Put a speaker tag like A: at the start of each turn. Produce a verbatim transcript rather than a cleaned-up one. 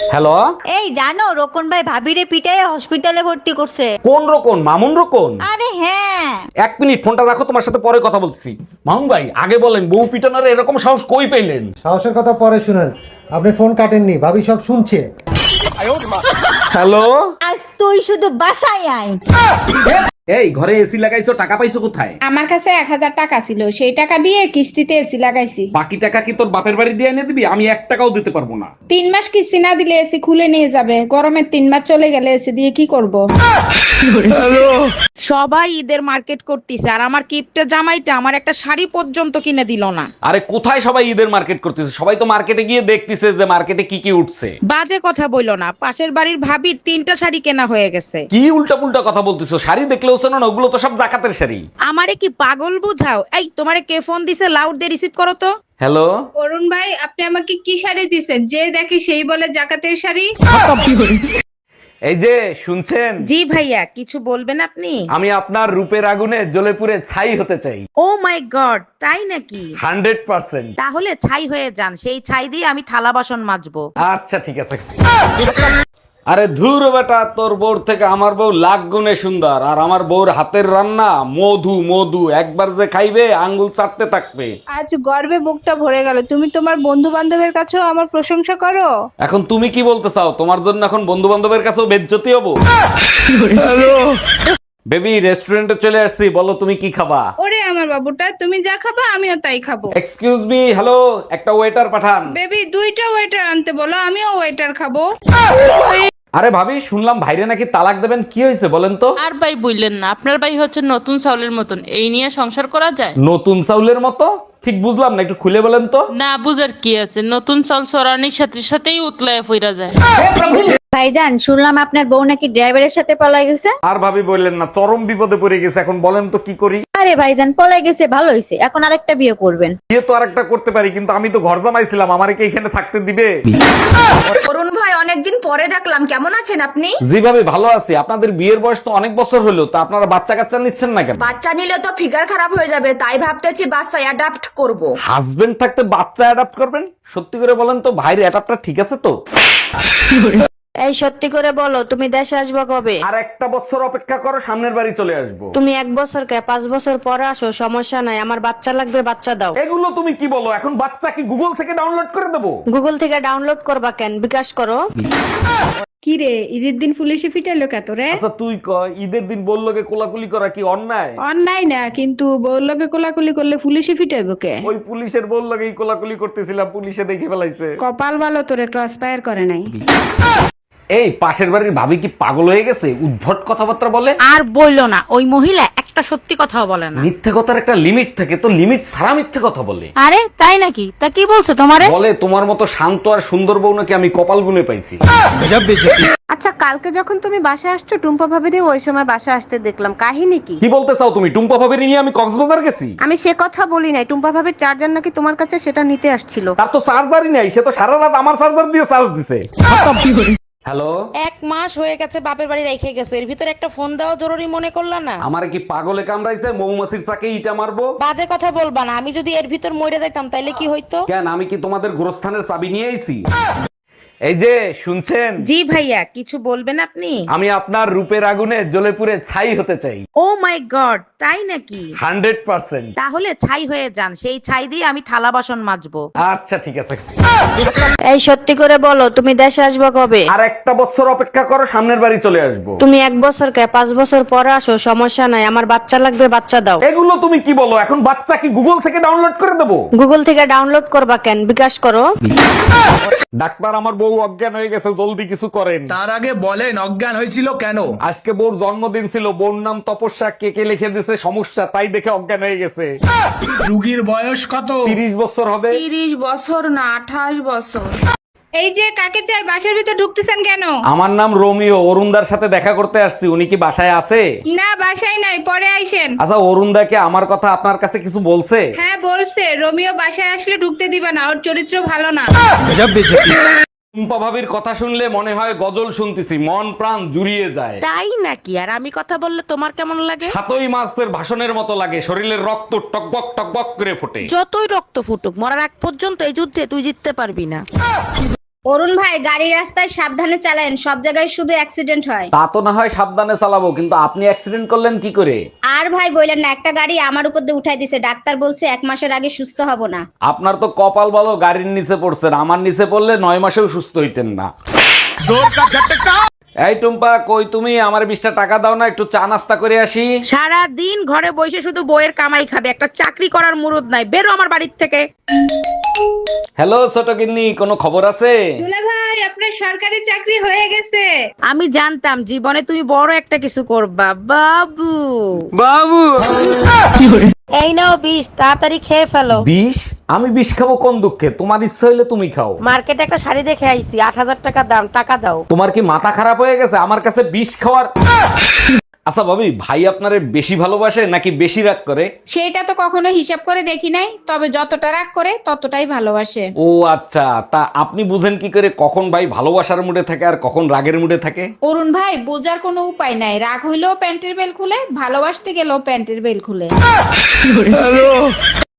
A: Hello,
B: এই জানো রোকন ভাই ভাবিরে পিটায় হসপিটালে ভর্তি করছে।
A: কোন রকম? মামুন রকম?
B: আরে হ্যাঁ।
A: এক মিনিট, ফোনটা রাখো, তোমার সাথে পরে কথা বলছি। মামুন ভাই, আগে বলেন বউ পিটানোর এরকম সাহস কই পেলেন?
C: সাহসের কথা পরে শুনেন, আপনি ফোন কাটেননি, ভাবি সব শুনছে।
A: হ্যালো,
B: আজ তুই শুধু বাসায় আয়।
A: এই ঘরে এসি লাগাইছো, টাকা পাইছো কোথায়?
D: আমার কাছে এক হাজার টাকা ছিল, সেই টাকা দিয়ে কিস্তিতে এসি লাগাইছি।
A: বাকি টাকা কি তোর বাপের বাড়ি দিয়ে এনে দিবি? আমি এক টাকাও দিতে পারবো না।
D: তিন মাস কিস্তি না দিলে এসি খুলে নিয়ে যাবে। গরমের তিন মাস চলে গেলে এসি দিয়ে কি করব?
E: সবাই ঈদের মার্কেট করতেছে আর আমার কিপটে জামাইটা আমার একটা শাড়ি পর্যন্ত কিনে দিল না।
A: আরে কোথায় সবাই ঈদের মার্কেট করতেছে? সবাই তো মার্কেটে গিয়ে দেখতেছে যে মার্কেটে কি কি উঠছে।
E: বাজে কথা বইলো না, পাশের বাড়ির ভাবির তিনটা শাড়ি কেনা হয়ে গেছে।
A: কি উল্টা পুল্টা কথা বলতেছো? শাড়ি দেখলেও শোনো না, ওগুলো তো সব জাকাতের শাড়ি।
E: আমারে কি পাগল বুঝাও? এই তোমারে কে ফোন দিছে? লাউড দিয়ে রিসিভ করো তো।
A: হ্যালো,
D: অরুণ ভাই, আপনি আমাকে কি শাড়ি দিছেন? যে দেখি সেই বলে জাকাতের শাড়ি।
A: এই যে শুনছেন?
E: জি ভাইয়া, কিছু বলবেন আপনি?
A: আমি আপনার রূপের আগুনে জ্বলে পুড়ে ছাই হতে চাই।
E: ও মাই গড, তাই নাকি?
A: Hundred percent.
E: তাহলে ছাই হয়ে যান, সেই ছাই দিয়ে আমি থালা বাসন মাজবো।
A: আচ্ছা ঠিক আছে। আরে ধুর বেটা, তোর বউর থেকে আমার বউ লাখ গুণে সুন্দর, আর আমার বউর হাতের রান্না মধু মধু, একবার যে খাইবে আঙ্গুল চাটতে থাকবে।
D: আজ গর্বে বুকটা ভরে গেল। তুমি তোমার বন্ধু বান্ধবের কাছেও আমার প্রশংসা করো।
A: এখন তুমি কি বলতে চাও? তোমার জন্য এখন বন্ধু বান্ধবের কাছেও বেজ্জতি হবো? বেবি, রেস্টুরেন্টে চলে আসছি, বলো তুমি কি খাবা?
D: ওরে আমার বাবুটা, তুমি যা খাবা আমিও তাই খাবো।
A: এক্সকিউজ মি, হ্যালো, একটা ওয়েটার পাঠান।
D: বেবি, দুইটা ওয়েটার আনতে বলো, আমিও ওয়েটার খাবো।
A: আরে ভাবি, শুনলাম ভাইরে নাকি তালাক দেবেন, কি হয়েছে বলেন তো?
F: আর ভাই বললেন না, আপনার ভাই হচ্ছে নতুন চাউলের মতন, এই নিয়ে সংসার করা যায়?
A: নতুন চাউলের মতো? ঠিক বুঝলাম না, একটু খুলে বলেন তো।
F: না বুঝার কি আছে, নতুন চাল চড়ানির সাথে সাথেই উতলায় ফিরা যায়।
B: ভাইজান, শুনলাম আপনার বউ নাকি ড্রাইভারের সাথে পলাই গেছে।
A: আর ভাবি বললেন না, চরম বিপদে পড়ে গেছে, এখন বলেন তো কি করি?
B: আরে ভাইজান, পলাই গেছে ভালো হয়েছে, এখন আরেকটা বিয়ে করবেন।
A: বিয়ে তো আরেকটা করতে পারি, কিন্তু আমি তো ঘর জামাইছিলাম, আমারে কি এখানে থাকতে দিবে?
G: অরুণ ভাই, অনেকদিন পরে দেখলাম, কেমন আছেন আপনি?
A: জি ভাবি, ভালো আছি। আপনাদের বিয়ের বয়স তো অনেক বছর হলো, তা আপনারা বাচ্চা কাচ্চা নিচ্ছেন না কেন?
G: বাচ্চা নিলে তো ফিগার খারাপ হয়ে যাবে, তাই ভাবতেছি বাচ্চা অ্যাডাপ্ট করব।
A: হাজবেন্ড থাকতে বাচ্চা অ্যাডাপ্ট করবেন? সত্যি করে বলেন তো, ভাইয়ের অ্যাডাপ্টার ঠিক আছে তো?
B: এই সত্যি করে বলো, তুমি দেশে আসবে কবে?
A: আর একটা বছর অপেক্ষা করো, সামনের বাড়ি চলে আসবো।
B: তুমি এক বছর কে পাঁচ বছর পরে আসো, সমস্যা নাই, আমার বাচ্চা লাগবে, বাচ্চা দাও।
A: এগুলো তুমি কি বলো? এখন বাচ্চা কি গুগল থেকে ডাউনলোড করে দেবো?
B: গুগল থেকে ডাউনলোড করবা কেন, বিকাশ করো।
D: কি রে, ঈদের দিন পুলিশে ফিটাইলো কে তোরে?
A: আচ্ছা তুই ক, ঈদের দিন বললো কে কোলাকুলি করা কি অন্যায়?
D: অন্যায় না, কিন্তু বউর লগে কোলাকুলি করলে পুলিশে ফিটাইবো কে?
A: ওই পুলিশের বললো এই কোলাকুলি করতেছিলাম, পুলিশে দেখে ফেলাইছে।
D: কপাল ভালো, তোরে ক্রস ফায়ার করে নাই।
A: এই পাশের বাড়ির ভাবি কি পাগল হয়ে গেছে? উদ্ভট কথাবার্তা বলে।
E: আর বইলো না, ওই মহিলা একটা সত্যি কথাও বলে না।
A: মিথ্যে কথার একটা লিমিট থাকে, তো লিমিট ছাড়া মিথ্যে কথা বলে।
E: আরে তাই নাকি? তা কি বলছে তোমারে?
A: বলে তোমার মতো শান্ত আর সুন্দর বউ নাকি আমি কপাল গুনে পাইছি।
B: আচ্ছা, কালকে যখন তুমি বাসায় আসছো, টুম্পা ভাবিরে ওই সময় বাসায় আসতে দেখলাম, কাহিনী কি?
A: কি বলতে চাও তুমি? টুম্পা ভাবির নিয়ে আমি কক্সবাজার গেছি?
B: আমি সে কথা বলি নাই, টুম্পা ভাবির চার্জার নাকি তোমার কাছে, সেটা নিতে আসছিল।
A: তার তো চার্জারই নাই, সে তো সারা রাত আমার চার্জার দিয়ে চার্জ দিছে। হ্যালো,
E: এক মাস হয়ে গেছে বাপের বাড়ি রেখে গেছো, এর ভিতরে একটা ফোন দেওয়া জরুরি মনে করলা না?
A: আমার কি পাগলে কামড়াইছে? মৌমাছির চাকে ইটা মারবো?
E: বাজে কথা বলবা না, আমি যদি এর ভিতর মরে যাইতাম তাইলে কি হইতো?
A: কেন, আমি কি তোমাদের গোরস্থানের চাবি নিয়ে আইছি? এই যে শুনছেন?
E: জি ভাইয়া, কিছু বলবেন আপনি?
A: আমি আপনার রূপের আগুনে জ্বলে পুড়ে ছাই হতে চাই।
E: ও মাই গড, তাই নাকি?
A: Hundred percent.
E: তাহলে ছাই হয়ে যান, সেই ছাই দিয়ে আমি থালা বাসন মাজবো।
A: আচ্ছা ঠিক আছে।
B: এই সত্যি করে বলো, তুমি দেশে আসবে কবে?
A: আর একটা বছর অপেক্ষা করো, সামনের বাড়ি চলে আসবো।
B: তুমি এক বছর কে পাঁচ বছর পরে আসো, সমস্যা নাই, আমার বাচ্চা লাগবে, বাচ্চা দাও।
A: এগুলো তুমি কি বলো? এখন বাচ্চা কি গুগল থেকে ডাউনলোড করে দেবো?
B: গুগল থেকে ডাউনলোড করবা কেন, বিকাশ করো।
A: ডাক্তার, আমার বউ অজ্ঞান হয়ে গেছে, জলদি কিছু করেন।
H: তার আগে বলেন অজ্ঞান হয়েছিল কেন?
A: আজকে বউর জন্মদিন ছিল, বউর নাম তপস্যা, কে কে লিখে দিছে সমস্যা, তাই দেখে অজ্ঞান হয়ে গেছে।
H: রুগীর বয়স কত?
A: তিরিশ বছর হবে।
G: তিরিশ বছর না, আঠাশ বছর।
D: এই যে কাকে চাই, বাসার ভিতর ঢুকতেছেন কেন?
A: আমার নাম রোমিও, অরুণদার সাথে দেখা করতে আসছি, উনি কি বাসায় আছে?
D: না, বাসায় নাই, পরে আইসেন।
A: আচ্ছা, অরুণদাকে আমার কথা আপনার কাছে কিছু বলছে?
D: হ্যাঁ বলছে, রোমিও বাসায় আসলে ঢুকতে দিবা না, ওর চরিত্র ভালো না।
A: টুম্পা ভাবির কথা শুনলে মনে হয় গজল শুনতেছি, মন প্রাণ জুড়িয়ে যায়।
E: তাই নাকি? আর আমি কথা বললে তোমার কেমন লাগে?
A: সাতই মাসের ভাষণের মতো লাগে, শরীরের রক্ত টকবক টকবক করে ফোটে।
E: যতই রক্ত ফুটুক, মরার আগ পর্যন্ত এই যুদ্ধে তুই জিততে পারবি না।
I: অরুণ ভাই গাড়ি রাস্তায় সাবধানে চালান, সব জায়গায় শুধু অ্যাক্সিডেন্ট হয়।
A: তা তো না হয় সাবধানে চালাবো, কিন্তু আপনি অ্যাক্সিডেন্ট করলেন কি করে?
I: আর ভাই বললেন না, একটা গাড়ি আমার উপর দিয়ে উঠাই দিছে, ডাক্তার বলছে এক মাসের আগে সুস্থ হব না।
A: আপনার তো কপাল ভালো, গাড়ির নিচে পড়ছেন। আমার নিচে পড়লে নয় মাসেও সুস্থ হইতেন না। এই টুম্পা, কই তুমি? আমার বিশটা টাকা দাও না, একটু চা নাস্তা করে আসি।
E: সারা দিন ঘরে বসে শুধু বইয়ের কামাই খাবে, একটা চাকরি করার মুরুদ নাই। বেরো আমার বাড়ির থেকে।
A: হ্যালো ছোট গিন্নি, কোনো খবর আছে?
D: দুলা ভাই আপনার সরকারি চাকরি হয়ে গেছে।
E: আমি জানতাম জীবনে তুমি বড় একটা কিছু করবা বাবু। বাবু এই নাও বিষ, তাড়াতাড়ি খেয়ে ফেলো।
A: বিষ? আমি বিষ খাবো কোন দুঃখে? তোমার ইচ্ছা হইলে তুমি খাও।
E: মার্কেটে একটা শাড়ি দেখে আইছি, আট হাজার টাকা দাম, টাকা দাও।
A: তোমার কি মাথা খারাপ হয়ে গেছে আমার কাছে বিষ খাওয়ার? আচ্ছা ভাবি, ভাই আপনারে বেশি ভালোবাসে নাকি বেশি রাগ করে?
D: সেটা তো কখনো হিসাব করে দেখি নাই, তবে যতটা রাগ করে ততটাই ভালোবাসে।
A: ও আচ্ছা, তা আপনি বুঝেন কি করে কখন ভাই ভালোবাসার মুডে থাকে আর কখন রাগের মুডে থাকে?
D: অরুণ ভাই বোঝার কোনো উপায় নাই, রাগ হইলেও প্যান্টের বেল খুলে, ভালোবাসতে গেলেও প্যান্টের বেল খুলে।